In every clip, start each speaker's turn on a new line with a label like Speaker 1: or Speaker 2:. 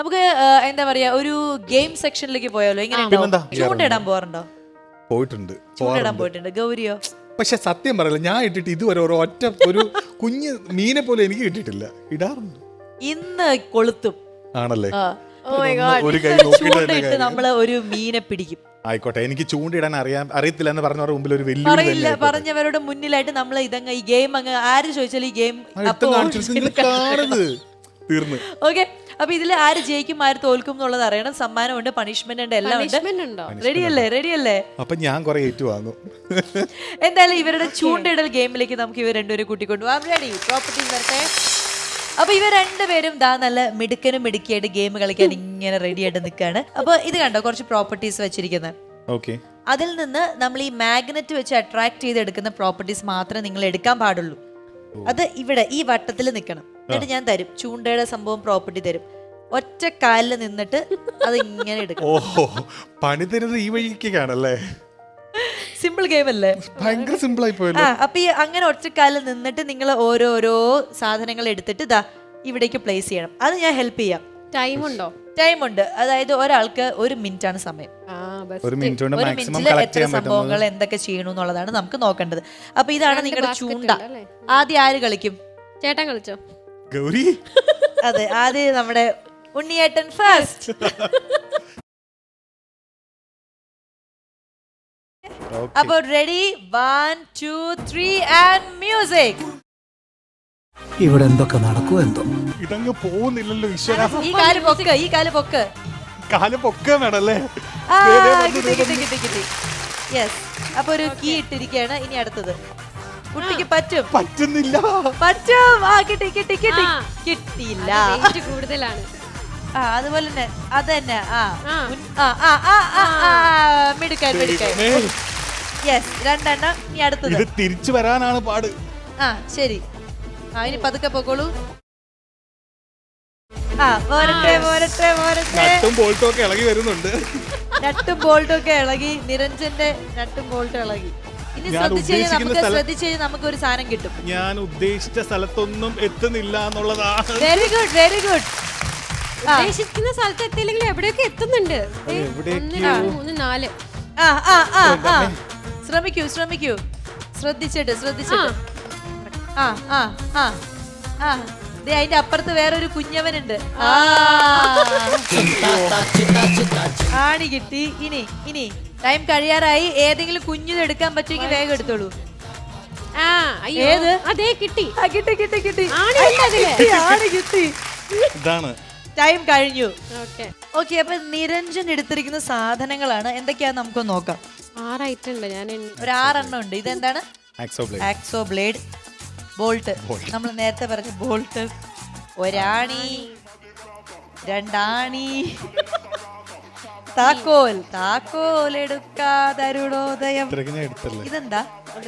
Speaker 1: നമുക്ക് എന്താ പറയാ ഒരു ഗെയിം സെക്ഷനിലേക്ക് പോയാലോ? ഇങ്ങനെ ചൂണ്ടയിടാൻ പോകാറുണ്ടോ?
Speaker 2: പോയിട്ടുണ്ട്.
Speaker 1: ചൂണ്ടയിടാൻ പോയിട്ടുണ്ട്. ഗൗരിയോ?
Speaker 2: പക്ഷെ സത്യം പറയല്ല, ഞാൻ ഇട്ടിട്ട് ഇതുവരെ ഒരു കുഞ്ഞ് മീനെ പോലെ എനിക്ക് കിട്ടിയിട്ടില്ല. ഇടാറുണ്ട്.
Speaker 1: ഇന്ന് കൊളുത്തും
Speaker 2: ആണല്ലേ?
Speaker 1: ഒരു ചൂണ്ടയിട്ട് നമ്മള് ഒരു മീനെ പിടിക്കും.
Speaker 2: ആയിക്കോട്ടെ, എനിക്ക് ചൂണ്ടിടാൻ അറിയത്തില്ല എന്ന് പറഞ്ഞവരുടെ മുമ്പിൽ ഒരു വെല്ലുവിളി
Speaker 1: പറഞ്ഞവരുടെ മുന്നിലായിട്ട് നമ്മൾ ഇതങ്ങ് ഈ ഗെയിം അങ്ങ് ആര് ചോദിച്ചാലും ഈ ഗെയിം
Speaker 2: തീർന്നു.
Speaker 1: ഓക്കെ, അപ്പൊ ഇതിൽ ആര് ജയിക്കും ആര് തോൽക്കും എന്നുള്ളത് അറിയണം. സമ്മാനമുണ്ട്, പണിഷ്മെന്റ് ഉണ്ട്, എല്ലാം ഉണ്ട്. റെഡിയല്ലേ?
Speaker 2: അപ്പൊ ഞാൻ കുറെ ഏറ്റുവാങ്ങും.
Speaker 1: എന്തായാലും ഇവരുടെ ചൂണ്ടയിടൽ ഗെയിമിലേക്ക് നമുക്ക് ഇവർ രണ്ടുപേരും കൂട്ടിക്കൊണ്ടുപോകാം. റെഡി? പ്രോപ്പർട്ടി വരട്ടെ. അപ്പൊ ഇവർ രണ്ടുപേരും നല്ല മിടുക്കനും മിടുക്കിയായിട്ട് ഗെയിം കളിക്കാൻ ഇങ്ങനെ റെഡി ആയിട്ട് നിൽക്കുകയാണ്. അപ്പൊ ഇത് കണ്ടോ, കുറച്ച് പ്രോപ്പർട്ടീസ് വെച്ചിരിക്കുന്നത്. അതിൽ നിന്ന് നമ്മൾ ഈ മാഗ്നറ്റ് വെച്ച് അട്രാക്ട് ചെയ്തെടുക്കുന്ന പ്രോപ്പർട്ടീസ് മാത്രമേ നിങ്ങൾ എടുക്കാൻ പാടുള്ളൂ. അത് ഇവിടെ ഈ വട്ടത്തിൽ നിൽക്കണം. എന്നിട്ട് ഞാൻ തരും ചൂണ്ടയുടെ സംഭവം, പ്രോപ്പർട്ടി തരും. ഒറ്റ കാലിൽ നിന്നിട്ട് അത് ഇങ്ങനെ എടുക്കണം.
Speaker 2: ഓഹോ, പണി തരുന്നത് ഈ വഴിക്കാണല്ലേ?
Speaker 1: സിമ്പിൾ ഗെയിം അല്ലേ?
Speaker 2: ഭയങ്കര സിമ്പിൾ ആയി പോയല്ലോ.
Speaker 1: അപ്പൊ ഈ അങ്ങനെ ഒറ്റക്കാലിൽ നിന്നിട്ട് നിങ്ങൾ ഓരോരോ സാധനങ്ങൾ എടുത്തിട്ട് ഇവിടേക്ക് പ്ലേസ് ചെയ്യണം. അത് ഞാൻ ഹെൽപ്പ് ചെയ്യാം. ടൈം ഉണ്ട്. അതായത് ഒരാൾക്ക് 1 മിനിറ്റ് ആണ് സമയം.
Speaker 2: 1 മിനിറ്റിൽ
Speaker 1: എത്ര സംഭവങ്ങൾ എന്തൊക്കെ ചെയ്യണമെന്നുള്ളതാണ് നമുക്ക് നോക്കേണ്ടത്. അപ്പൊ ഇതാണ് നിങ്ങളുടെ ചൂണ്ട. ആദ്യം ആര് കളിക്കും?
Speaker 3: ചേട്ടൻ കളിച്ചോ?
Speaker 2: ഗൗരി.
Speaker 1: അതെ, ആദ്യം നമ്മുടെ ഉണ്ണിയേട്ടൻ ഫസ്റ്റ്. അപ്പൊ റെഡി? 1 2 3 and music.
Speaker 4: ഇവിടെ എന്തൊക്കെ നടക്കുമോ എന്തോ.
Speaker 2: ഇതങ്ങ് പോകുന്നില്ലല്ലോ ഈശ്വര.
Speaker 1: ഈ കാല് പൊക്ക്.
Speaker 2: കാല് പൊക്കാണല്ലേ?
Speaker 1: കിട്ടി. യെസ്. അപ്പൊ ഒരു കീ ഇട്ടിരിക്കുകയാണ്. ഇനി അടുത്തത് കുട്ടിക്ക്
Speaker 2: പറ്റുന്നില്ല.
Speaker 1: പറ്റും. കിട്ടിയില്ല.
Speaker 3: കൂടുതലാണ്.
Speaker 1: അതുപോലെ തന്നെ അത് തന്നെ. മിടുക്കാൻ. യെസ്, 2 എണ്ണം. ഇനി അടുത്തത്.
Speaker 2: ഇത് തിരിച്ചു വരാനാണ് പാട്.
Speaker 1: ശരി. ഇനി പതുക്കെ പോക്കോളൂ. പോരട്ടെ.
Speaker 2: നട്ടും ബോൾട്ടും ഒക്കെ ഇളകി വരുന്നുണ്ട്.
Speaker 1: നട്ടും ബോൾട്ടും ഒക്കെ ഇളകി. നിരഞ്ജന്റെ നട്ടും ബോൾട്ടും ഇളകി. ഇനി ശ്രദ്ധിച്ച് നമുക്ക് ഒരു സാധനം കിട്ടും.
Speaker 2: ഞാൻ ഉദ്ദേശിച്ച സ്ഥലത്തൊന്നും എത്തുന്നില്ല എന്നുള്ളതാണ്.
Speaker 1: Very good.
Speaker 3: ഉദ്ദേശിക്കുന്ന സ്ഥലത്ത് എത്തിയില്ലെങ്കിൽ എവിടെയൊക്കെ എത്തുന്നുണ്ട്. 1 2 3 4.
Speaker 1: ശ്രമിക്കൂ. ശ്രദ്ധിച്ചിട്ട്. അതിന്റെ അപ്പുറത്ത് വേറൊരു കുഞ്ഞവനുണ്ട്. ആണി കിട്ടി. ഇനി ടൈം കഴിയാറായി. ഏതെങ്കിലും കുഞ്ഞിത് എടുക്കാൻ പറ്റുമെങ്കിൽ വേഗം എടുത്തോളൂ. ഏത്?
Speaker 3: അതേ, കിട്ടി.
Speaker 1: കിട്ടി.
Speaker 3: ആണി
Speaker 1: കിട്ടി.
Speaker 2: ഇതാണ്
Speaker 1: ടൈം കഴിഞ്ഞു.
Speaker 3: ഓക്കെ,
Speaker 1: അപ്പൊ നിരഞ്ജൻ എടുത്തിരിക്കുന്ന സാധനങ്ങളാണ് എന്തൊക്കെയാന്ന് നമുക്ക് നോക്കാം.
Speaker 3: 6 ഐറ്റം ഉണ്ട്. ഞാൻ
Speaker 1: ഒരു 6 എണ്ണം ഉണ്ട്. ഇതെന്താണ്? Hacksaw blade. ബോൾട്ട്. നമ്മൾ നേരത്തെ പറഞ്ഞ ബോൾട്ട്. ഒരാണി, 2 ആണി. താക്കോൽ എടുക്കാതരുണോദയം. ഇതെന്താ?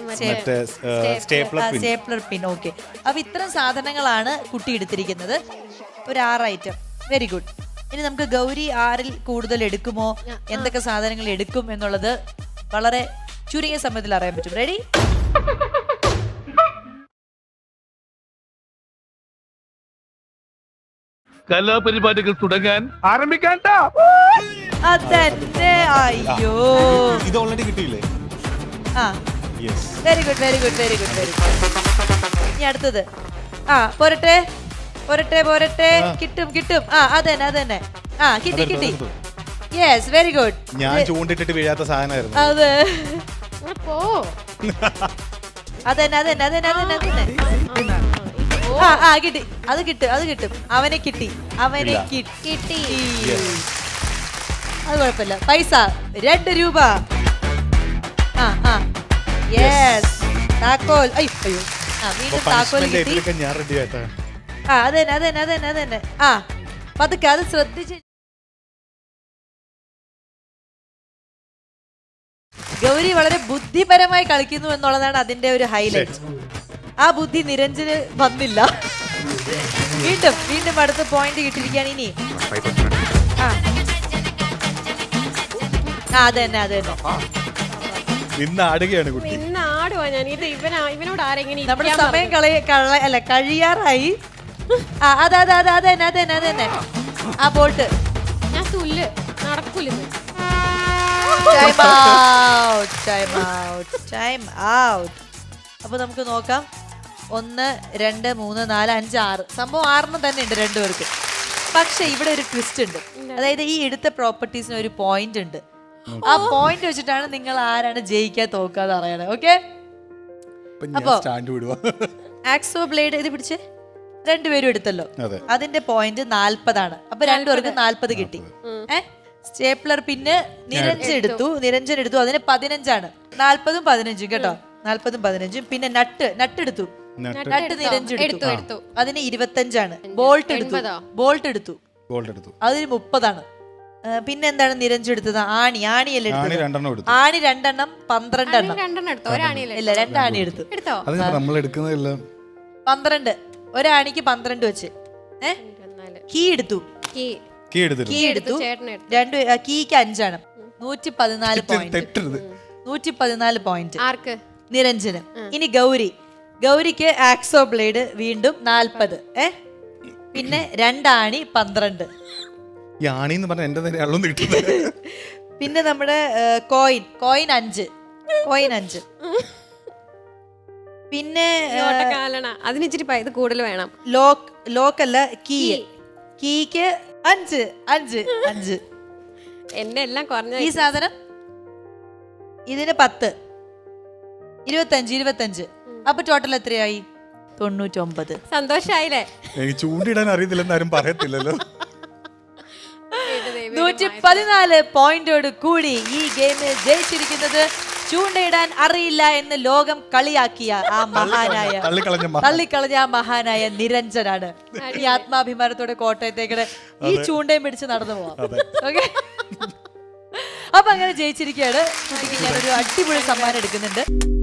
Speaker 1: സ്റ്റേപ്ലർ പിൻ. ഓക്കെ, അപ്പൊ ഇത്തരം സാധനങ്ങളാണ് കുട്ടി എടുത്തിരിക്കുന്നത്. ഒരു 6 ഐറ്റം. Very good. ഇനി നമുക്ക് ഗൗരി 6-ൽ കൂടുതൽ എടുക്കുമോ, എന്തൊക്കെ സാധനങ്ങൾ എടുക്കും എന്നുള്ളത് വളരെ ചുരുങ്ങിയ സമയത്തിൽ അറിയാൻ പറ്റും. റെഡി?
Speaker 5: കലാപരിപാടികൾ തുടങ്ങാൻ ആരംഭിക്കാൻ.
Speaker 1: അതന്നെ. അയ്യോ,
Speaker 2: ഇത് ഓൾറെഡി കിട്ടിയില്ലേ?
Speaker 1: Very good. ഇനി അടുത്തത്. പോരട്ടെ. കിട്ടും. അതന്നെ. കിട്ടി. Yes, very good.
Speaker 2: ഞാൻ ചൂണ്ടിട്ടിട്ട് വീഴാത്ത സാധനമായിരുന്നു.
Speaker 1: അതെ,
Speaker 3: പോ.
Speaker 1: അതന്നെ. കിട്ടി. അത് കിട്ടും. അവനെ കിട്ടി. അത് കുഴപ്പമില്ല. പൈസ 2 രൂപ. യെസ്. താക്കോൽ. അയ്യോ, വീണ്ടും താക്കോൽ കിട്ടി.
Speaker 2: ഞാൻ റെഡി ആയിട്ടാ.
Speaker 1: അതന്നെ. പതുക്കെ, അത് ശ്രദ്ധിച്ച്. ഗൗരി വളരെ ബുദ്ധിപരമായി കളിക്കുന്നു എന്നുള്ളതാണ് അതിന്റെ ഒരു ഹൈലൈറ്റ്. ആ ബുദ്ധി നിരഞ്ജന് വന്നില്ല. വീണ്ടും അടുത്ത പോയിന്റ് കിട്ടിയിരിക്കുകയാണ്. ഇനി അതന്നെ.
Speaker 2: ആടുകയാണ് കുട്ടി.
Speaker 3: ആടുവാ ഞാൻ. ഇവനോട് ആരെങ്കിലും
Speaker 1: നമ്മുടെ സമയം കഴിയാറായി. അതന്നെ. ആ ബോൾട്ട്.
Speaker 3: ഞാൻ തുല്ല് നടക്കൂല
Speaker 1: time out, time out, time out. അപ്പൊ നമുക്ക് നോക്കാം. 1 2 3 4 5 6 സംഭവം 6 തന്നെ ഉണ്ട് രണ്ടുപേർക്ക്. പക്ഷെ ഇവിടെ ഒരു ട്വിസ്റ്റ് ഉണ്ട്. അതായത് ഈ എടുത്ത പ്രോപ്പർട്ടീസിന് ഒരു പോയിന്റ് ഉണ്ട്. ആ പോയിന്റ് വെച്ചിട്ടാണ് നിങ്ങൾ ആരാണ് ജയിക്കാൻ തോക്കാതെ അറിയണേ. ഓക്കെ, അപ്പൊ ആക്സോ ബ്ലേഡ് ഇത് പിടിച്ച് രണ്ടുപേരും എടുത്തല്ലോ. അതിന്റെ പോയിന്റ് 40 അപ്പൊ രണ്ടുപേർക്ക് 40 കിട്ടി. സ്റ്റേപ്ലർ പിന്നെ നിരഞ്ജൻ എടുത്തു അതിന് 15 40 15 കേട്ടോ. 40 15. പിന്നെ നട്ട് എടുത്തു. നട്ട് നിരഞ്ജൻ എടുത്തു അതിന് 25. ബോൾട്ട് എടുത്തു അതിന് 30. പിന്നെ എന്താണ് നിരഞ്ജൻ എടുത്തത്? ആണിയല്ലേ എടുത്തത്? ആണി 2 12 ഇല്ല 2 ആണി എടുത്തു. 12 ഒരാണിക്ക് 12 വെച്ച്. കീ എടുത്തു. കീക്ക് 5 114 പോയിന്റ് നിരഞ്ജന്. ഇനി ഗൗരിക്ക് ആക്സോ ബ്ലേഡ് വീണ്ടും 40. പിന്നെ 2 ആണി 12. പിന്നെ നമ്മുടെ കോയിൻ 5. പിന്നെ
Speaker 3: അതിന് ഇച്ചിരി ഇത് കൂടുതൽ വേണം.
Speaker 1: ലോക്കല്ല കീക്ക് 5.
Speaker 3: എന്നെ എല്ലാം കുറഞ്ഞ
Speaker 1: ഈ സാധനം ഇതിന് 10 25. അപ്പൊ ടോട്ടൽ എത്രയായി? 99.
Speaker 3: സന്തോഷായില്ലേ?
Speaker 2: എനിക്ക് ചൂണ്ടിടാൻ അറിയത്തില്ലെന്നാരും പറയത്തില്ലല്ലോ.
Speaker 1: 114 പോയിന്റോട് കൂടി ഈ ഗെയിമിൽ ജയിച്ചിരിക്കുന്നത് ചൂണ്ടയിടാൻ അറിയില്ല എന്ന് ലോകം കളിയാക്കിയ ആ മഹാനായ തള്ളിക്കളഞ്ഞ ആ മഹാനായ നിരഞ്ജനാണ്. ഈ ആത്മാഭിമാനത്തോടെ കോട്ടയത്തേക്ക് ഈ ചൂണ്ടയും പിടിച്ച് നടന്നു പോവാം. ഓക്കെ, അപ്പൊ അങ്ങനെ ജയിച്ചിരിക്കുകയാണ്. കുട്ടിക്ക് ഞാനൊരു അടിപൊളി സമ്മാനം എടുക്കുന്നുണ്ട്.